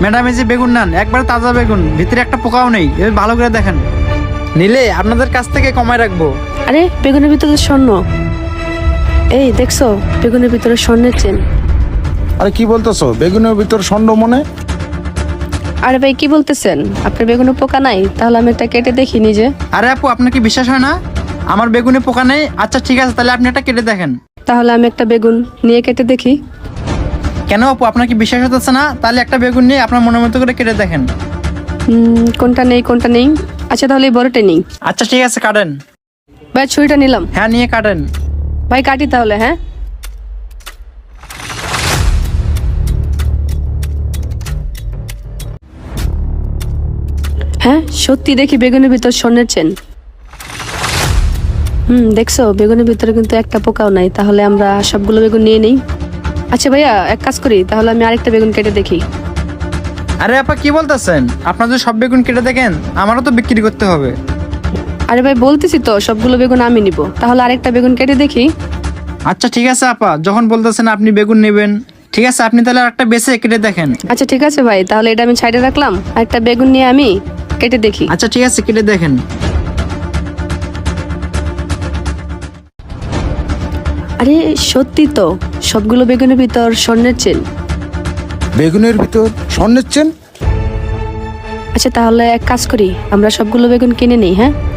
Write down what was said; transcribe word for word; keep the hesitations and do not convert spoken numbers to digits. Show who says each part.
Speaker 1: Madam এই যে বেগুন নেন, একবারে তাজা বেগুন, ভিতরে একটা পোকাও নেই। এবার ভালো করে দেখেন, নিলে আপনাদের কাছ থেকে কমায় রাখবো।
Speaker 2: আরে বেগুনের ভিতরে স্বর্ণ। এই দেখছো বেগুনের ভিতরে স্বর্ণের চেন।
Speaker 3: আরে কি বলতেছো, বেগুনের ভিতর ষণ্ড মনে?
Speaker 2: আরে ভাই কি বলতেছেন, আপনার বেগুনে পোকা নাই? তাহলে আমি একটা কেটে দেখি নিজে।
Speaker 1: আরে আপু, আপনার কি বিশ্বাস হয় না আমার বেগুনে পোকা নেই? আচ্ছা ঠিক আছে, তাহলে আপনি একটা কেটে দেখেন।
Speaker 2: তাহলে আমি একটা বেগুন নিয়ে কেটে দেখি।
Speaker 1: কেন আপু, আপনার কি বিশ্বাস হতেছে না? তাহলে একটা বেগুন নিয়ে আপনার মনের মতো করে কেটে দেখেন।
Speaker 2: হুম, কোনটা নেই কোনটা নেই। আচ্ছা তাহলে এই বড়টা নেই।
Speaker 1: আচ্ছা ঠিক আছে, কাটেন।
Speaker 2: ভাই ছুরিটা নিলাম।
Speaker 1: হ্যাঁ, নিয়ে কাটেন।
Speaker 2: ভাই কাটি তাহলে। হ্যাঁ হ্যাঁ সত্যি দেখি বেগুনের ভিতর স্বর্ণের চেন। হুম দেখছো বেগুনের ভিতরে কিন্তু একটা পোকাও নাই। তাহলে আমরা সবগুলো বেগুন নিয়ে নেই। আচ্ছা ভাইয়া এক কাজ করি, তাহলে আমি আরেকটা বেগুন কেটে দেখি।
Speaker 1: আরে আপা কি বলতেছেন? আপনার যদি সব বেগুন কেটে দেখেন, আমারও তো বিক্রি করতে হবে।
Speaker 2: আরে ভাই বলতেছি তো সবগুলো বেগুন আমি নিব, তাহলে আরেকটা বেগুন কেটে দেখি।
Speaker 1: আচ্ছা ঠিক আছে আপা, যখন বলতেছেন আপনি বেগুন নেবেন, ঠিক আছে আপনি তাহলে আরেকটা বেছে কেটে দেখেন।
Speaker 2: আচ্ছা ঠিক আছে ভাই, তাহলে এটা আমি সাইডে রাখলাম। আরেকটা বেগুন নিয়ে আমি কেটে দেখি।
Speaker 1: আচ্ছা ঠিক আছে, কেটে দেখেন।
Speaker 2: আরে সত্যি তো সবগুলো বেগুনের ভিতর স্বর্ণের চেন।
Speaker 3: বেগুনের ভিতর স্বর্ণের চেন?
Speaker 2: আচ্ছা তাহলে এক কাজ করি, আমরা সবগুলো বেগুন কিনে নিই। হ্যাঁ